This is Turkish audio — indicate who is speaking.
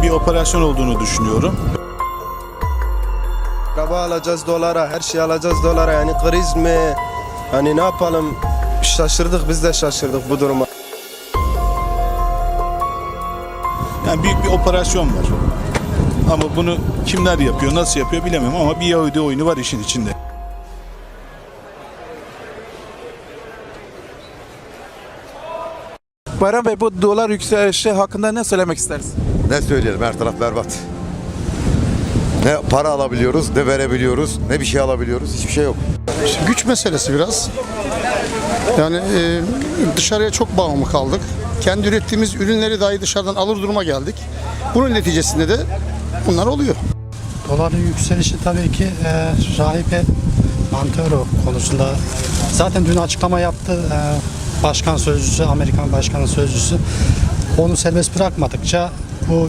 Speaker 1: bir operasyon olduğunu düşünüyorum.
Speaker 2: Araba alacağız dolara, her şeyi alacağız dolara. Yani kriz mi? Hani ne yapalım? Şaşırdık, biz de şaşırdık bu duruma.
Speaker 1: Yani büyük bir operasyon var. Ama bunu kimler yapıyor, nasıl yapıyor bilemem ama bir Yahudi oyunu var işin içinde.
Speaker 3: Bayram Bey, bu dolar yükselişi hakkında ne söylemek istersin?
Speaker 4: Ne söyleyelim, her taraf berbat. Ne para alabiliyoruz, ne verebiliyoruz, ne bir şey alabiliyoruz, hiçbir şey yok.
Speaker 5: Güç meselesi biraz. Yani dışarıya çok bağımlı kaldık. Kendi ürettiğimiz ürünleri dahi dışarıdan alır duruma geldik. Bunun neticesinde de bunlar oluyor.
Speaker 6: Doların yükselişi tabii ki rahibe Montero konusunda. Zaten dün açıklama yaptı başkan sözcüsü, Amerikan başkanın sözcüsü. Onu serbest bırakmadıkça